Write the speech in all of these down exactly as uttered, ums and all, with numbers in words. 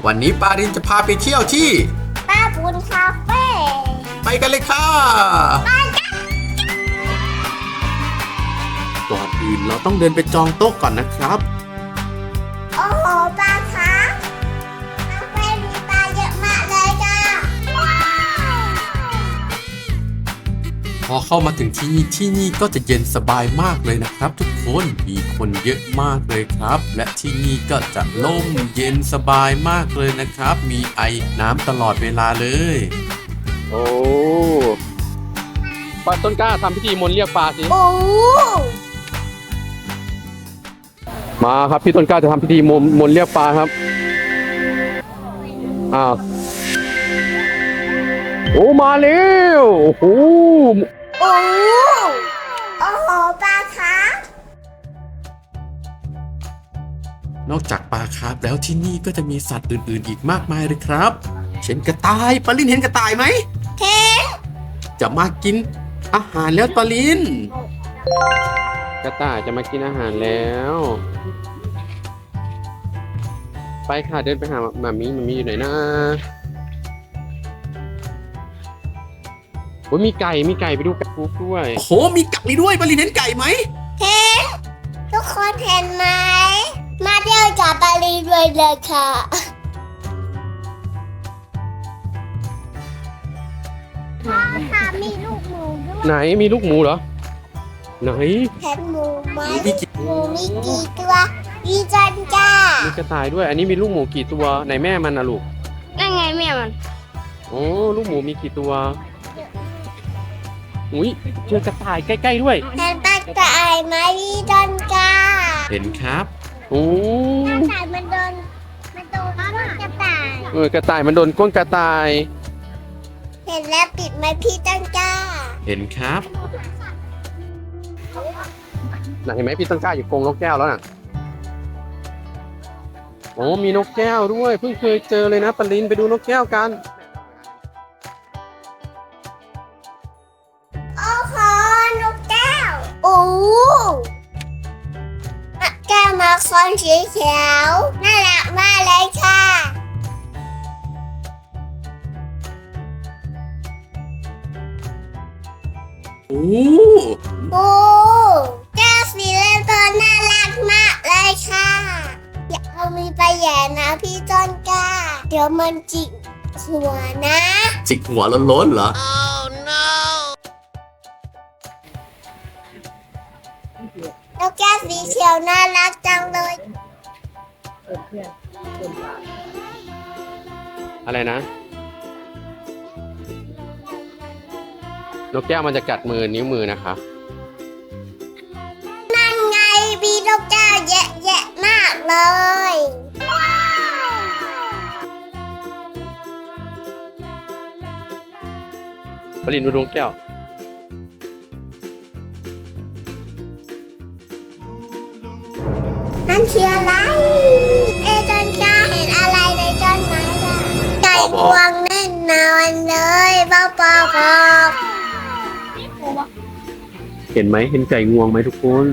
วันนี้ปารินจะพาไปเที่ยวที่ป้าบุญคาเฟ่ไปกันเลยค่ะก่อนอื่นเราต้องเดินไปจองโต๊ะก่อนนะครับโอ้โหปลาคะคาเฟ่มีปลาเยอะมากเลยจ้าพอเข้ามาถึงที่นี่ที่นี่ก็จะเย็นสบายมากเลยนะครับทุกคนมีคนเยอะมากเลยครับและที่นี่ก็จะร่มเย็นสบายมากเลยนะครับมีไอน้ำตลอดเวลาเลยโอ้ปลาต้นกล้าทำพิธีมนต์เรียกปลาสิโอ้มาครับพี่ต้นกล้าจะทำพิธีมนต์มนต์เรียกปลาครับอ้าวโอ้มาแล้วโอ้โหโอ้โอ้โหปลาคะนอกจากปลาคาร์ฟแล้วที่นี่ก็จะมีสัตว์อื่นๆอีกมากมายเลยครับเช่นกระต่ายปาลินเห็นกระต่ายไหมเห็นจะมากินอาหารแล้วปาลินกระต่ายจะมากินอาหารแล้วไปค่ะเดินไปหาหมามีหมามีอยู่ไหนนะโอ้ยมีไก่มีไก่ไปดูไก่ปุ๊บด้วยโอ้โหมีไก่ด้วยปาลินเห็นไก่ไหมเห็นทุกคนเห็นไหมมาเที่ยวกับปาลินด้วยเลยค่ะพ่อค่ะมีลูกหมูด้วยไหนมีลูกหมูเหรอไหนเห็นหมูไหมหมูมีกี่ตัวมีจันจ้ามีกระต่ายด้วยอันนี้มีลูกหมูกี่ตัวไหนแม่มันนะลูกนั่นไงแม่มันโอ้ลูกหมูมีกี่ตัวอุ้ยเจอกระต่ายใกล้ๆด้วยเห็นกระต่ายไหมพี่จันจ้าเห็นครับโอ้กระต่ายมันโดนมันโดนกระต่ายเออกระต่ายมันโดนก้นกระต่ายเห็นแล้วปิดไหมพี่จันจ้าเห็นครับไหนเห็นไหมพี่ต้นกล้าอยู่กรงนกแก้วแล้วน่ะโอ้มีนกแก้วด้วยเพิ่งเคยเจอเลยนะปรินไปดูนกแก้วกันโอ้โหนกแก้วโอ้แก้วมาคอนสีเขียวน่ารักมากเลยค่ะโอ้โอ้แก้วสีเลือดน่ารักมากเลยค่ะอย่าเอามีไปแย่นะพี่จอนก้าเดี๋ยวมันจิกหัวนะจิกหัวล้นๆเหรอ oh no แล้วแก้วสีเขียวน่ารักจังเลยอะไรนะนกแก้วมันจะกัดมือนิ้วมือนะคะนั่นไงมีนกแก้วเยอะแยะมากเลยปรินดูนกแก้วนั่นคืออะไรเอจอนก้าเห็นอะไรในต้นไม้ล่ะไก่งวงแน่นอนเลยเบาปอกเห็นไหมเห็นไก่งวงไหมทุกคน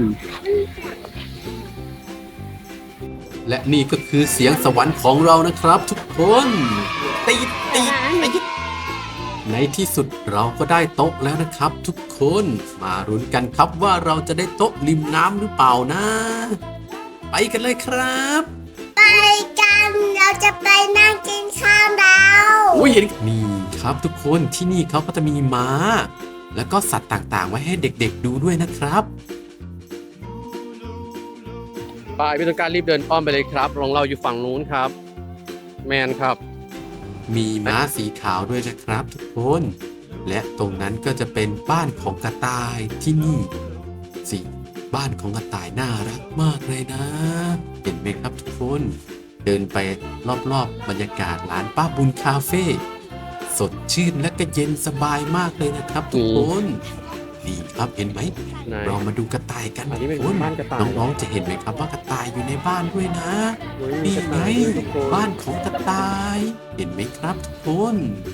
และนี่ก็คือเสียงสวรรค์ของเรานะครับทุกคนตีตีตีในที่สุดเราก็ได้โต๊ะแล้วนะครับทุกคนมาลุ้นกันครับว่าเราจะได้โต๊ะริมน้ำหรือเปล่านะไปกันเลยครับไปกันเราจะไปนั่งกินข้าวดาวโอ้ยเห็นนี่ครับทุกคนที่นี่เขาก็จะมีม้าแล้วก็สัตว์ต่างๆไว้ให้เด็กๆดูด้วยนะครับไปพี่ต้นกล้ารีบเดินอ้อมไปเลยครับของเราอยู่ฝั่งนู้นครับแมนครับมีม้าสีขาวด้วยนะครับทุกคนและตรงนั้นก็จะเป็นบ้านของกระต่ายที่นี่สิบ้านของกระต่ายน่ารักมากเลยนะเห็นไหมครับทุกคนเดินไปรอบๆบรรยากาศร้านป้าบุญคาเฟ่สดชื่นและก็เย็นสบายมากเลยนะครับทุกคนดีครับเห็นไหมเรามาดูกระต่ายกันคุณน้องๆจะเห็นไหมครับว่ากระต่ายอยู่ในบ้านด้วยนะนี่ไงบ้านของกระต่ายเห็นไหมครับทุกคน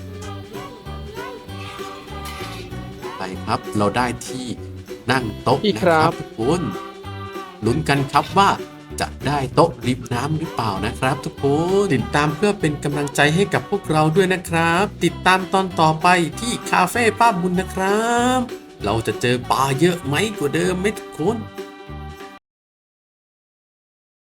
ไปครับเราได้ที่นั่งโต๊ะนะครับทุกคนลุ้นกันครับว่าจะได้โต๊ะริมน้ำหรือเปล่านะครับทุกคนติดตามเพื่อเป็นกำลังใจให้กับพวกเราด้วยนะครับ ติดตามตอนต่อไปที่คาเฟ่ป้าบุญนะครับ เราจะเจอปลาเยอะไหมกว่าเดิมไหมทุกคน